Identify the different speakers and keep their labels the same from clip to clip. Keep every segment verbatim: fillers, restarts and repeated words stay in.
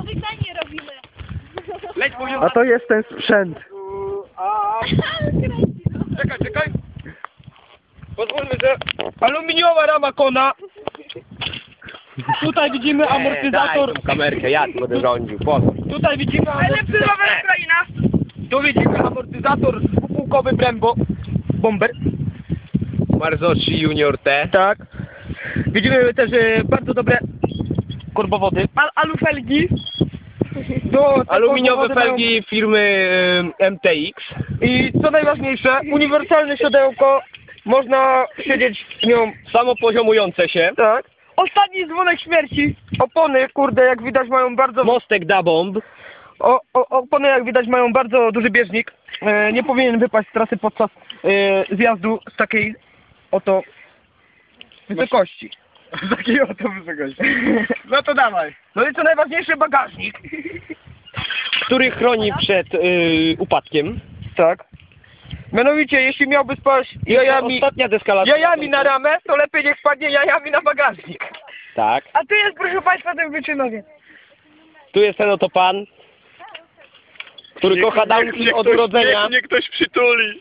Speaker 1: Dyganie robimy.
Speaker 2: Leć poziom.
Speaker 3: A to jest ten sprzęt.
Speaker 2: Czekaj, czekaj. Pozwólmy, że aluminiowa rama kona. Tutaj widzimy amortyzator.
Speaker 4: Daj tą kamerkę, ja tu będę rządził, pozwól.
Speaker 2: Tutaj widzimy amortyzator. Tu widzimy amortyzator dwupółkowy Brembo. Bomber.
Speaker 4: Marzocci Junior T.
Speaker 2: Tak. Widzimy też e, bardzo dobre korbowody. Al alufelgi. Do, te
Speaker 4: Aluminiowe
Speaker 2: korbowody
Speaker 4: felgi firmy y, M T X.
Speaker 2: mają- I co najważniejsze, uniwersalne siodełko. Można siedzieć w nią.
Speaker 4: Samopoziomujące się.
Speaker 2: Tak. Ostatni dzwonek śmierci. Opony, kurde, jak widać mają bardzo...
Speaker 4: Mostek da bomb.
Speaker 2: O, o, opony, jak widać, mają bardzo duży bieżnik. E, nie powinien wypaść z trasy podczas e, zjazdu z takiej oto wysokości.
Speaker 3: Z takiej oto wysokości. No to dawaj.
Speaker 2: No i co najważniejsze, bagażnik.
Speaker 4: Który chroni przed y, upadkiem.
Speaker 2: Tak. Mianowicie, jeśli miałby spaść jajami,
Speaker 4: Ostatnia deskalacja.
Speaker 2: jajami na ramę, to lepiej niech spadnie jajami na bagażnik.
Speaker 4: Tak.
Speaker 2: A tu jest, proszę Państwa, ten wyczynowiec.
Speaker 4: Tu jest ten oto pan, który kocha downhill od urodzenia.
Speaker 3: Niech mnie ktoś przytuli.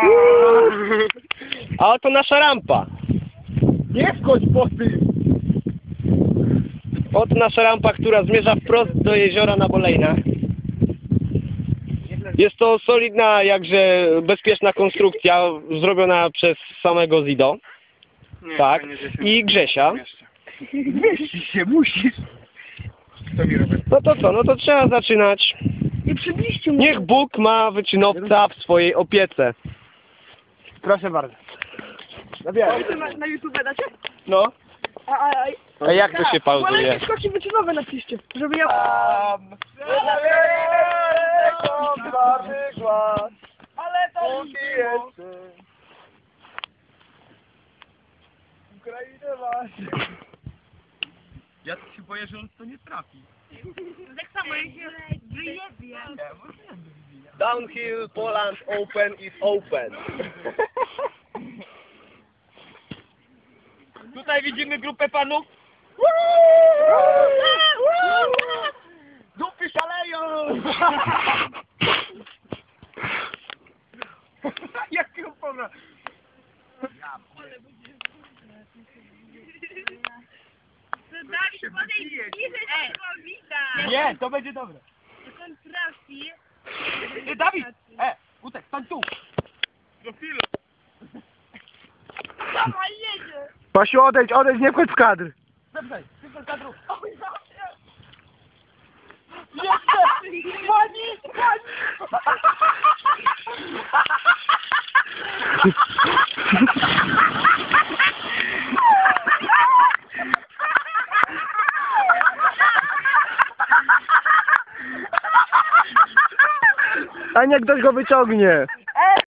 Speaker 4: A oto nasza rampa.
Speaker 3: Nie wchodź po tym.
Speaker 4: Oto nasza rampa, która zmierza wprost do jeziora na Bolejnach. Jest to solidna, jakże bezpieczna konstrukcja, zrobiona przez samego Zido.
Speaker 3: Nie,
Speaker 4: Tak.
Speaker 3: fajnie, że się
Speaker 4: I Grzesia.
Speaker 3: Mieścisz się, musisz. Co mi robię?
Speaker 4: No to co, no to trzeba zaczynać.
Speaker 2: I przybliżcie mu.
Speaker 4: Niech Bóg ma wyczynowca w swojej opiece.
Speaker 3: Proszę bardzo. Zabieraj.
Speaker 2: Na, na YouTube dacie?
Speaker 4: No.
Speaker 2: A, a, a,
Speaker 4: A jak to się pauzuje?
Speaker 2: Malenkie skoki wyczynowe napiszcie, żeby ja... Ale to
Speaker 3: Ukrainę masz.
Speaker 2: Ja się boję, że on to nie trafi.
Speaker 1: Tak samo jak się wyjebie.
Speaker 4: Downhill Poland Open is open.
Speaker 2: Tutaj widzimy grupę panów.
Speaker 3: Dupy szaleją!
Speaker 2: Jaki opona?
Speaker 1: Dawid, podejdź bliżej, to widać.
Speaker 2: Nie, to będzie dobre.
Speaker 1: Jak on trafi.
Speaker 2: Ej, Dawid! E, Utek, stań tu!
Speaker 3: Do chwilę.
Speaker 1: Dawaj, jedzie.
Speaker 3: Pasiu, odejdź, odejdź, nie wchodź w kadr.
Speaker 2: Zepnij, zepnij kadru.
Speaker 1: Jeszcze!
Speaker 2: Pani, pani!
Speaker 3: A niech ktoś go wyciągnie.